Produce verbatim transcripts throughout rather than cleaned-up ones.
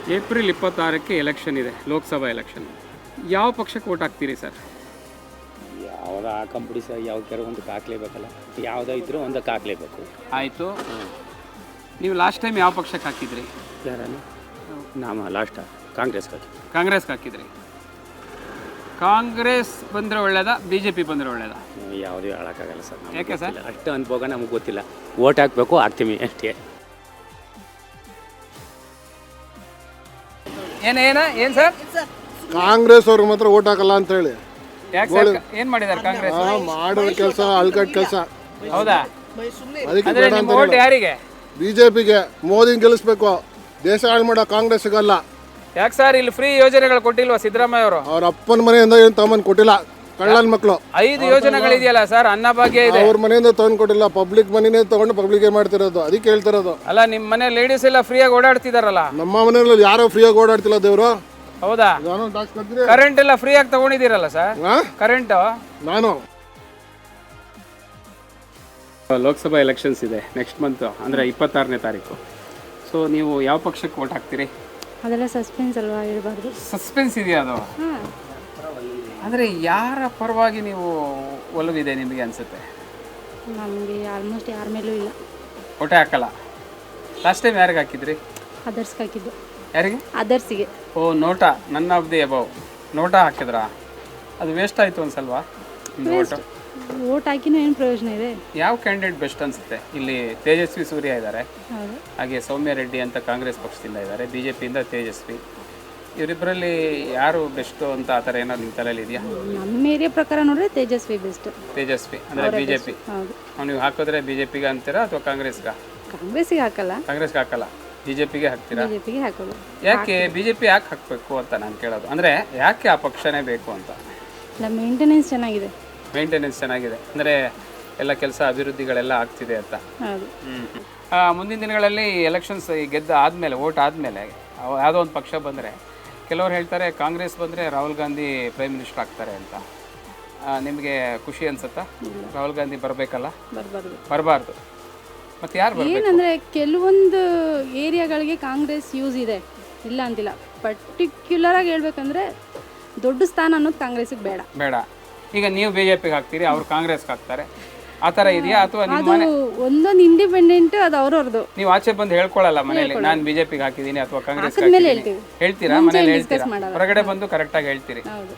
April ಇಪ್ಪತ್ತಾರಕ್ಕೆ election ಇದೆ, Lok Sabha election. ಯಾವ ಪಕ್ಷಕ್ಕೆ ವೋಟ್ ಹಾಕ್ತೀರಿ ಸರ್? ಯಾವ್ದು ಹಾಕೊಂಬಿಡಿ ಸರ್, ಯಾವ್ದಾರ ಒಂದಕ್ಕೆ ಹಾಕ್ಲೇಬೇಕಲ್ಲ, ಯಾವುದೋ ಇದ್ರೂ ಒಂದಕ್ಕೆ ಹಾಕ್ಲೇಬೇಕು. ಆಯಿತು. ನೀವು ಲಾಸ್ಟ್ ಟೈಮ್ ಯಾವ ಪಕ್ಷಕ್ಕೆ ಹಾಕಿದ್ರಿ? ಯಾರಲ್ಲ ನಾಮ ಲಾಸ್ಟ್ ಕಾಂಗ್ರೆಸ್ ಹಾಕಿ ಕಾಂಗ್ರೆಸ್ಗೆ ಹಾಕಿದ್ರಿ. ಕಾಂಗ್ರೆಸ್ ಬಂದರೆ ಒಳ್ಳೇದಾ, ಬಿ ಜೆ ಪಿ ಬಂದರೆ ಒಳ್ಳೇದಾ? ಯಾವುದೂ ಹೇಳೋಕ್ಕಾಗಲ್ಲ ಸರ್. ಯಾಕೆ ಸರ್? ಅಷ್ಟು ಅನುಭವ ನಮಗೆ ಗೊತ್ತಿಲ್ಲ. ಓಟ್ ಹಾಕಬೇಕು, ಹಾಕ್ತೀವಿ ಅಷ್ಟೇ. ಏನು ಏನ ಏನು ಸರ್? ಕಾಂಗ್ರೆಸ್ ಅವ್ರಿಗೆ ಮಾತ್ರ ಓಟ್ ಹಾಕಲ್ಲ ಅಂತ ಹೇಳಿ. ಯಾಕೆ ಸರ್? ಏನು ಮಾಡಿದ್ದಾರೆ ಕಾಂಗ್ರೆಸ್? ಮಾಡಿದ ಕೆಲಸ ಅಲ್ಕಟ್ ಕೆಲಸ. ಹೌದಾ? ಅದಕ್ಕೆ ಅಂದರೆ ನಿಮ್ಮ ಓಟ್ ಯಾರಿಗೆ? ಬಿಜೆಪಿಗೆ. ಮೋದಿನ ಗೆಲ್ಲಿಸ್ಬೇಕು, ದೇಶ ಹಾಳು ಮಾಡೋ ಕಾಂಗ್ರೆಸ್ ಸಿಗಲ್ಲ. ಯಾಕೆ ಸರ್ ಇಲ್ಲಿ ಫ್ರೀ ಯೋಜನೆಗಳು ಕೊಟ್ಟಿಲ್ವಾ ಸಿದ್ದರಾಮಯ್ಯ ಅವರು? ಅವ್ರ ಅಪ್ಪನ ಮನೆಯಿಂದ ಏನು ತಗೊಂಡ್ ಕೊಟ್ಟಿಲ್ಲ, ಕಳ್ಳನ ಮಕ್ಕಳು. ಐದು ಯೋಜನೆಗಳಿದೆಯಲ್ಲ ಸರ್, ಅನ್ನಭಾಗ್ಯ ಇದೆ. ಅವ್ರ ಮನೆಯಿಂದ ತಗೊಂಡ್ ಕೊಟ್ಟಿಲ್ಲ, ಪಬ್ಲಿಕ್ ಮನೆನೇ ತಗೊಂಡು ಪಬ್ಲಿಕ್ ಮಾಡ್ತಿರೋದು. ಅದಕ್ಕೆ ಹೇಳ್ತಿರೋದು. ಅಲ್ಲ, ನಿಮ್ಮ ಮನೆ ಲೇಡೀಸ್ ಎಲ್ಲ ಫ್ರೀಯಾಗಿ ಓಡಾಡ್ತಿದಾರಲ್ಲ. ನಮ್ಮ ಮನೆಯಲ್ಲಿ ಯಾರೋ ಫ್ರೀಯಾಗಿ ಓಡಾಡ್ತಿಲ್ಲ ದೇವ್ರು. ಹೌದಾ? ಕರೆಂಟ್ ಎಲ್ಲ ಫ್ರೀಯಾಗಿ ತಗೊಂಡಿದ್ದೀರಲ್ಲ ಸರ್? ಕರೆಂಟ್ ನಾನು ಲೋಕಸಭಾ ಎಲೆಕ್ಷನ್ಸ್ ಇದೆ ನೆಕ್ಸ್ಟ್ ಮಂತ್, ಅಂದರೆ ಇಪ್ಪತ್ತಾರನೇ ತಾರೀಕು. ಸೊ ನೀವು ಯಾವ ಪಕ್ಷಕ್ಕೆ ವೋಟ್ ಹಾಕ್ತೀರಿ? ಅದೆಲ್ಲ ಸಸ್ಪೆನ್ಸ್ ಅಲ್ವಾ, ಇರಬಾರ್ದು. ಸಸ್ಪೆನ್ಸ್ ಇದೆಯಾ ಅದು? ಅಂದರೆ ಯಾರ ಪರವಾಗಿ ನೀವು ಒಲವಿದೆ ನಿಮಗೆ ಅನಿಸುತ್ತೆ? ನಮಗೆ ಆಲ್ಮೋಸ್ಟ್ ಯಾರ ಮೇಲೂ ಇಲ್ಲ. ಓಟೇ ಹಾಕಲ್ಲ. ಲಾಸ್ಟ್ ಟೈಮ್ ಯಾರಿಗೆ ಹಾಕಿದ್ರಿ? ಅದರ್ಸ್ಗೆ ಹಾಕಿದ್ದು. ಯಾರಿಗೆ? ಅದರ್ಸಿಗೆ. ಓ, NOTA, none of the above NOTA ಹಾಕಿದ್ರಾ? ಅದು ವೇಸ್ಟ್ ಆಯಿತು ಅನ್ಸಲ್ವಾ ಓಟು? ಓಟ್ ಹಾಕಿನೂ ಏನು ಪ್ರಯೋಜನ ಇದೆ? ಯಾವ ಕ್ಯಾಂಡಿಡೇಟ್ ಬೆಸ್ಟ್ ಅನಿಸುತ್ತೆ? ಇಲ್ಲಿ ತೇಜಸ್ವಿ ಸೂರ್ಯ ಇದ್ದಾರೆ, ಹೌದು. ಹಾಗೆ ಸೌಮ್ಯ ರೆಡ್ಡಿ ಅಂತ ಕಾಂಗ್ರೆಸ್ ಪಕ್ಷದಿಂದ ಇದ್ದಾರೆ, ಬಿ ಜೆ ಪಿಯಿಂದ ತೇಜಸ್ವಿ. ಇವರಿಬ್ಬರಲ್ಲಿ ಯಾರು ಬೆಸ್ಟು ಅಂತ ಆ ಥರ ಏನಾದ್ರು ನಿಮ್ಮ ತಲೆಯಲ್ಲಿ ಇದೆಯಾ? ನಮ್ಮ ಏರಿಯಾ ಪ್ರಕಾರ ನೋಡಿದ್ರೆ ತೇಜಸ್ವಿ ಬೆಸ್ಟ್. ತೇಜಸ್ವಿ ಅಂದರೆ ಬಿ ಜೆ ಪಿ. ಹೌದು. ನೀವು ಹಾಕಿದ್ರೆ ಬಿ ಜೆ ಪಿಗೆ ಅಂತೀರಾ ಅಥವಾ ಕಾಂಗ್ರೆಸ್ಗೆ? ಕಾಂಗ್ರೆಸ್ಸಿಗೆ ಹಾಕಲ್ಲ, ಕಾಂಗ್ರೆಸ್ಗೆ ಹಾಕಲ್ಲ, ಬಿ ಜೆ ಪಿಗೆ ಹಾಕ್ತೀರಾ? ಬಿಜೆಪಿಗೆ ಹಾಕೋದು. ಯಾಕೆ ಬಿ ಜೆ ಪಿ ಯಾಕೆ ಹಾಕಬೇಕು ಅಂತ ನಾನು ಕೇಳೋದು. ಅಂದರೆ ಯಾಕೆ ಆ ಪಕ್ಷನೇ ಬೇಕು ಅಂತ? ಇಲ್ಲ, ಮೇಂಟೆನೆನ್ಸ್ ಚೆನ್ನಾಗಿದೆ. ಮೇಂಟೆನೆನ್ಸ್ ಚೆನ್ನಾಗಿದೆ ಅಂದರೆ ಎಲ್ಲ ಕೆಲಸ ಅಭಿವೃದ್ಧಿಗಳೆಲ್ಲ ಆಗ್ತಿದೆ ಅಂತ. ಹೌದು. ಹ್ಞೂ ಮುಂದಿನ ದಿನಗಳಲ್ಲಿ ಎಲೆಕ್ಷನ್ಸ್ ಗೆದ್ದ ಆದಮೇಲೆ, ಓಟ್ ಆದಮೇಲೆ ಯಾವುದೋ ಒಂದು ಪಕ್ಷ ಬಂದರೆ ಕೆಲವರು ಹೇಳ್ತಾರೆ ಕಾಂಗ್ರೆಸ್ ಬಂದರೆ ರಾಹುಲ್ ಗಾಂಧಿ ಪ್ರೈಮ್ ಮಿನಿಸ್ಟರ್ ಆಗ್ತಾರೆ ಅಂತ. ನಿಮಗೆ ಖುಷಿ ಅನ್ಸುತ್ತಾ? ರಾಹುಲ್ ಗಾಂಧಿ ಬರಬೇಕಲ್ಲ? ಬರಬಾರ್ದು. ಬರಬಾರ್ದು. ಮತ್ತು ಯಾರು ಬರಬೇಕು? ಏನಂದರೆ ಕೆಲವೊಂದು ಏರಿಯಾಗಳಿಗೆ ಕಾಂಗ್ರೆಸ್ ಯೂಸ್ ಇದೆ, ಇಲ್ಲ ಅಂತಿಲ್ಲ. ಪರ್ಟಿಕ್ಯುಲರಾಗಿ ಹೇಳ್ಬೇಕಂದ್ರೆ ದೊಡ್ಡ ಸ್ಥಾನ ಅನ್ನೋದು ಕಾಂಗ್ರೆಸ್ಸಿಗೆ ಬೇಡ ಬೇಡ. ಈಗ ನೀವು ಬಿ ಜೆ ಪಿಗೆ ಹಾಕ್ತೀರಿ, ಅವ್ರು ಕಾಂಗ್ರೆಸ್ಗೆ ಹಾಕ್ತಾರೆ, ಆ ಥರ ಇದೆಯಾ? ಅಥವಾ ನಿಮ್ಮ ಮನೆ ಒಂದೊಂದು ಇಂಡಿಪೆಂಡೆಂಟ್ ಅದು ಅವ್ರವ್ರದ್ದು. ನೀವು ಆಚೆ ಬಂದು ಹೇಳ್ಕೊಳ್ಳಲ್ಲ ಮನೇಲಿ ನಾನು ಬಿ ಜೆ ಪಿಗೆ ಹಾಕಿದ್ದೀನಿ ಅಥವಾ ಕಾಂಗ್ರೆಸ್ ಹೇಳ್ತೀವಿ? ಹೇಳ್ತೀರಾ? ಮನೇಲಿ ಹೇಳ್ತೀರಾ? ಹೊರಗಡೆ ಬಂದು ಕರೆಕ್ಟಾಗಿ ಹೇಳ್ತೀರಿ. ಹೌದು.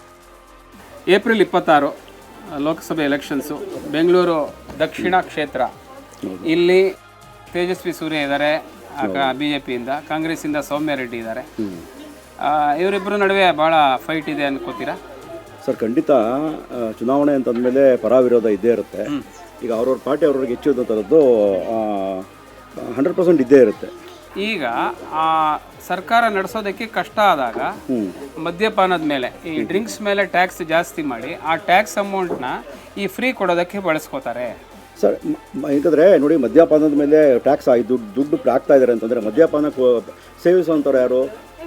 ಏಪ್ರಿಲ್ ಇಪ್ಪತ್ತಾರು ಲೋಕಸಭೆ ಎಲೆಕ್ಷನ್ಸು, ಬೆಂಗಳೂರು ದಕ್ಷಿಣ ಕ್ಷೇತ್ರ. ಇಲ್ಲಿ ತೇಜಸ್ವಿ ಸೂರ್ಯ ಇದ್ದಾರೆ ಬಿ ಜೆ ಪಿಯಿಂದ, ಕಾಂಗ್ರೆಸ್ಸಿಂದ ಸೌಮ್ಯ ರೆಡ್ಡಿ ಇದ್ದಾರೆ. ಇವರಿಬ್ಬರ ನಡುವೆ ಭಾಳ ಫೈಟ್ ಇದೆ ಅನ್ಕೋತೀರಾ? ಸರ್, ಖಂಡಿತ. ಚುನಾವಣೆ ಅಂತಂದಮೇಲೆ ಪರ ವಿರೋಧ ಇದ್ದೇ ಇರುತ್ತೆ. ಈಗ ಅವ್ರವ್ರ ಪಾರ್ಟಿ ಅವ್ರವ್ರಿಗೆ ಹೆಚ್ಚು ಥರದ್ದು ಹಂಡ್ರೆಡ್ ಪರ್ಸೆಂಟ್ ಇದ್ದೇ ಇರುತ್ತೆ. ಈಗ ಆ ಸರ್ಕಾರ ನಡೆಸೋದಕ್ಕೆ ಕಷ್ಟ ಆದಾಗ ಮದ್ಯಪಾನದ ಮೇಲೆ, ಈ ಡ್ರಿಂಕ್ಸ್ ಮೇಲೆ ಟ್ಯಾಕ್ಸ್ ಜಾಸ್ತಿ ಮಾಡಿ ಆ ಟ್ಯಾಕ್ಸ್ ಅಮೌಂಟ್ನ ಈ ಫ್ರೀ ಕೊಡೋದಕ್ಕೆ ಬಳಸ್ಕೋತಾರೆ. ಸರ್, ಯಾಕಂದರೆ ನೋಡಿ, ಮದ್ಯಪಾನದ ಮೇಲೆ ಟ್ಯಾಕ್ಸ್ ಆಗಿ ದುಡ್ಡು ದುಡ್ಡು ಹಾಕ್ತಾ ಇದ್ದಾರೆ ಅಂತಂದರೆ ಮದ್ಯಪಾನ ಸೇವಿಸುವಂಥವ್ರು ಯಾರು?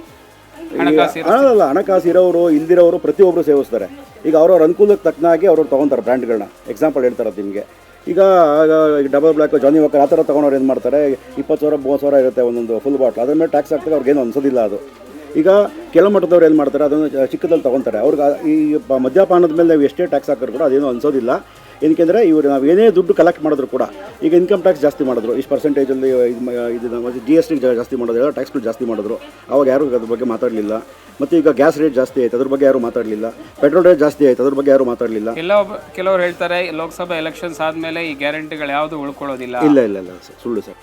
ಅಲ್ಲ, ಹಣಕಾಸು ಇರೋರು ಇಲ್ದಿರೋರು ಪ್ರತಿಯೊಬ್ಬರು ಸೇವಿಸ್ತಾರೆ. ಈಗ ಅವ್ರವ್ರ ಅನುಕೂಲಕ್ಕೆ ತಕ್ಕನಾಗಿ ಅವ್ರವ್ರು ತೊಗೊತಾರೆ ಬ್ರ್ಯಾಂಡ್ಗಳನ್ನ. ಎಕ್ಸಾಂಪಲ್ ಹೇಳ್ತಾರೆ ನಿಮಗೆ. ಈಗ ಡಬಲ್ ಬ್ಲ್ಯಾಕ್, ಜಾನಿ ವಾಕರ್ ಆ ಥರ ತೊಗೊಂಡವ್ರು ಏನು ಮಾಡ್ತಾರೆ, ಇಪ್ಪತ್ತು ಸಾವಿರ ಮೂವತ್ತು ಸಾವಿರ ಇರುತ್ತೆ ಒಂದೊಂದು ಫುಲ್ ಬಾಟ್ಲ್. ಅದ್ರ ಮೇಲೆ ಟ್ಯಾಕ್ಸ್ ಹಾಕ್ತಾರೆ, ಅವ್ರಿಗೇನು ಅನ್ಸೋದಿಲ್ಲ ಅದು. ಈಗ ಕೆಲ ಮಟ್ಟದವ್ರು ಏನು ಮಾಡ್ತಾರೆ, ಅದನ್ನು ಚಿಕ್ಕದಲ್ಲಿ ತೊಗೊತಾರೆ. ಅವ್ರಿಗೆ ಈ ಮದ್ಯಪಾನದ ಮೇಲೆ ನಾವು ಎಷ್ಟೇ ಟ್ಯಾಕ್ಸ್ ಹಾಕಿದ್ರು ಕೂಡ ಅದೇನು ಅನ್ಸೋದಿಲ್ಲ. ಏನಕ್ಕೆಂದರೆ ಇವರು ನಾವು ಏನೇ ದುಡ್ಡು ಕಲೆಕ್ಟ್ ಮಾಡಿದ್ರು ಕೂಡ, ಈಗ ಇನ್ಕಮ್ ಟ್ಯಾಕ್ಸ್ ಜಾಸ್ತಿ ಮಾಡಿದ್ರು, ಇಷ್ಟು ಪರ್ಸೆಂಟೇಜಲ್ಲಿ ಇದು ಜಿ ಎಸ್ ಟಿ ಜಾಸ್ತಿ ಮಾಡೋದು, ಎಲ್ಲ ಟ್ಯಾಕ್ಸ್ಗಳು ಜಾಸ್ತಿ ಮಾಡಿದ್ರು. ಅವಾಗ ಯಾರು ಅದ್ರ ಬಗ್ಗೆ ಮಾತಾಡಲಿಲ್ಲ. ಮತ್ತು ಈಗ ಗ್ಯಾಸ್ ರೇಟ್ ಜಾಸ್ತಿ ಆಯ್ತು, ಅದ್ರ ಬಗ್ಗೆ ಯಾರು ಮಾತಾಡಲಿಲ್ಲ. ಪೆಟ್ರೋಲ್ ರೇಟ್ ಜಾಸ್ತಿ ಆಯ್ತು, ಅದ್ರ ಬಗ್ಗೆ ಯಾರು ಮಾತಾಡಲಿಲ್ಲ. ಕೆಲವು ಕೆಲವರು ಹೇಳ್ತಾರೆ ಲೋಕಸಭಾ ಎಲೆಕ್ಷನ್ಸ್ ಆದಮೇಲೆ ಈ ಗ್ಯಾರಂಟಿಗಳು ಯಾವುದು ಉಳ್ಕೊಳ್ಳೋದಿಲ್ಲ. ಇಲ್ಲ ಇಲ್ಲ ಇಲ್ಲ ಸರ್, ಸುಳ್ಳು ಸರ್.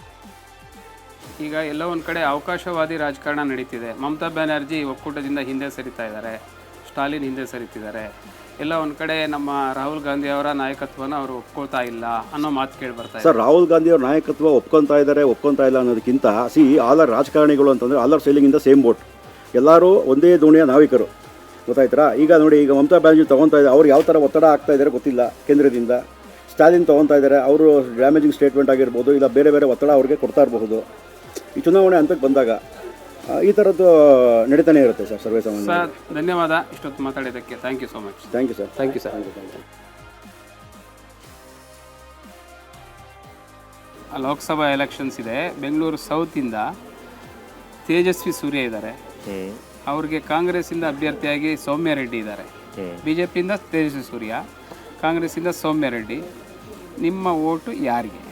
ಈಗ ಎಲ್ಲ ಒಂದು ಕಡೆ ಅವಕಾಶವಾದಿ ರಾಜಕಾರಣ ನಡೀತಿದೆ. ಮಮತಾ ಬ್ಯಾನರ್ಜಿ ಒಕ್ಕೂಟದಿಂದ ಹಿಂದೆ ಸರಿತಾ ಇದ್ದಾರೆ, ಸ್ಟಾಲಿನ್ ಹಿಂದೆ ಸರಿತಿದ್ದಾರೆ. ಎಲ್ಲ ಒಂದು ಕಡೆ ನಮ್ಮ ರಾಹುಲ್ ಗಾಂಧಿ ಅವರ ನಾಯಕತ್ವನ ಅವರು ಒಪ್ಕೋತಾ ಇಲ್ಲ ಅನ್ನೋ ಮಾತು ಕೇಳಿ ಬರ್ತಾ ಇದೆ. ಸರ್, ರಾಹುಲ್ ಗಾಂಧಿ ಅವ್ರ ನಾಯಕತ್ವ ಒಪ್ಕೊತಾ ಇದ್ದಾರೆ ಒಪ್ಕೊತಾ ಇಲ್ಲ ಅನ್ನೋದಕ್ಕಿಂತ, ಸಿ ಆಲ್ ಆರ್ ರಾಜಕಾರಣಿಗಳು ಅಂತಂದರೆ all are sailing in the same boat. ಎಲ್ಲರೂ ಒಂದೇ ದೋಣಿಯ ನಾವಿಕರು, ಗೊತ್ತಾಯ್ತಾ? ಈಗ ನೋಡಿ, ಈಗ ಮಮತಾ ಬ್ಯಾನರ್ಜಿ ತೊಗೊತಾ ಇದ್ದಾರೆ, ಅವ್ರು ಯಾವ ಥರ ಒತ್ತಡ ಆಗ್ತಾ ಇದ್ದಾರೆ ಗೊತ್ತಿಲ್ಲ ಕೇಂದ್ರದಿಂದ. ಸ್ಟಾಲಿನ್ ತೊಗೊತಾ ಇದ್ದಾರೆ, ಅವರು ಡ್ಯಾಮೇಜಿಂಗ್ ಸ್ಟೇಟ್ಮೆಂಟ್ ಆಗಿರ್ಬೋದು, ಇಲ್ಲ ಬೇರೆ ಬೇರೆ ಒತ್ತಡ ಅವ್ರಿಗೆ ಕೊಡ್ತಾ ಇರಬಹುದು. ಈ ಚುನಾವಣೆ ಹಂತಕ್ಕೆ ಬಂದಾಗ ಈ ಥರದ್ದು ನಡೀತಾನೆ ಇರುತ್ತೆ ಸರ್, ಸರ್ವೇ ಸಾಮಾನ್ಯ. ಸರ್, ಧನ್ಯವಾದ ಇಷ್ಟೊತ್ತು ಮಾತಾಡಿದ್ದಕ್ಕೆ. Thank you so much. Thank you sir. Thank you sir. Lok Sabha elections ಇದೆ. ಬೆಂಗಳೂರು ಸೌತಿಂದ ತೇಜಸ್ವಿ ಸೂರ್ಯ ಇದ್ದಾರೆ, ಅವ್ರಿಗೆ ಕಾಂಗ್ರೆಸ್ಸಿಂದ ಅಭ್ಯರ್ಥಿಯಾಗಿ ಸೌಮ್ಯ ರೆಡ್ಡಿ ಇದ್ದಾರೆ. ಬಿ ಜೆ ಪಿಯಿಂದ ತೇಜಸ್ವಿ ಸೂರ್ಯ, ಕಾಂಗ್ರೆಸ್ಸಿಂದ ಸೌಮ್ಯ ರೆಡ್ಡಿ. ನಿಮ್ಮ ಓಟು ಯಾರಿಗೆ?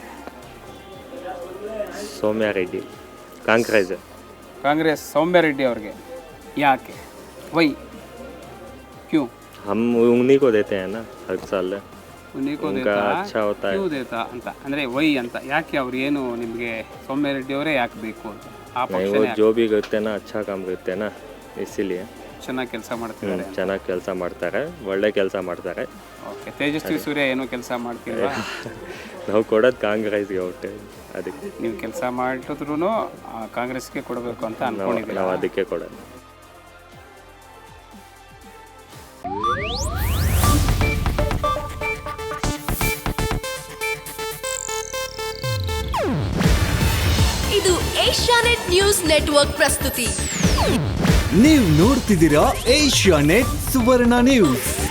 सौम्या रेड्डी कांग्रेस. ಕಾಂಗ್ರೆಸ್ ಸೌಮ್ಯ ರೆಡ್ಡಿ ಅವ್ರಿಗೆ. ಯಾಕೆ? ವೈ? ಕ್ಯೂ? हम उन्हीं को देते हैं ना हर साल. ಉನ್ನಿಕೋ उनका ದೇತಾ, अच्छा होता है. ಕ್ಯೂ ದೇತಾ ಅಂತ ಅಂದರೆ ವೈ ಅಂತ. ಯಾಕೆ ಅವ್ರು ಏನು ನಿಮಗೆ ಸೌಮ್ಯ ರೆಡ್ಡಿ ಅವರೇ ಯಾಕೆ ಬೇಕು ಅಂತ? ಆ नहीं वो ಪಕ್ಷನೇ जो भी करते हैं ना अच्छा काम करते हैं ना, इसीलिए ಚೆನ್ನಾಗಿ ಕೆಲಸ ಮಾಡ್ತಿದ್ದಾರೆ. ಚೆನ್ನಾಗಿ ಕೆಲಸ ಮಾಡ್ತಾರೆ, ಒಳ್ಳೆ ಕೆಲಸ ಮಾಡ್ತಾರೆ. ಓಕೆ. ತೇಜಸ್ವಿ ಸೂರ್ಯ ಏನು ಕೆಲಸ ಮಾಡ್ತಿಲ್ವಾ? ನಾವು ಕೊಡೋದು ಕಾಂಗ್ರೆಸ್ಗೆ ಓಟೆ, ಅದಕ್ಕೆ ನೀವು ಕೆಲಸ ಮಾಡಿದ್ರು ಕಾಂಗ್ರೆಸ್ಗೆ ಕೊಡಬೇಕು ಅಂತ ನಾವು ಅನ್ಕೊಂಡಿದ್ದೀರಾ? ನಾವು ಅದಕ್ಕೆ ಕೊಡೋದು. ಇದು ಏಷ್ಯಾನೆಟ್ ನ್ಯೂಸ್ ನೆಟ್ವರ್ಕ್ ಪ್ರಸ್ತುತಿ. ನೀವು ನೋಡ್ತಿದ್ದೀರಾ ಏಷ್ಯಾನೆಟ್ ಸುವರ್ಣ ನ್ಯೂಸ್.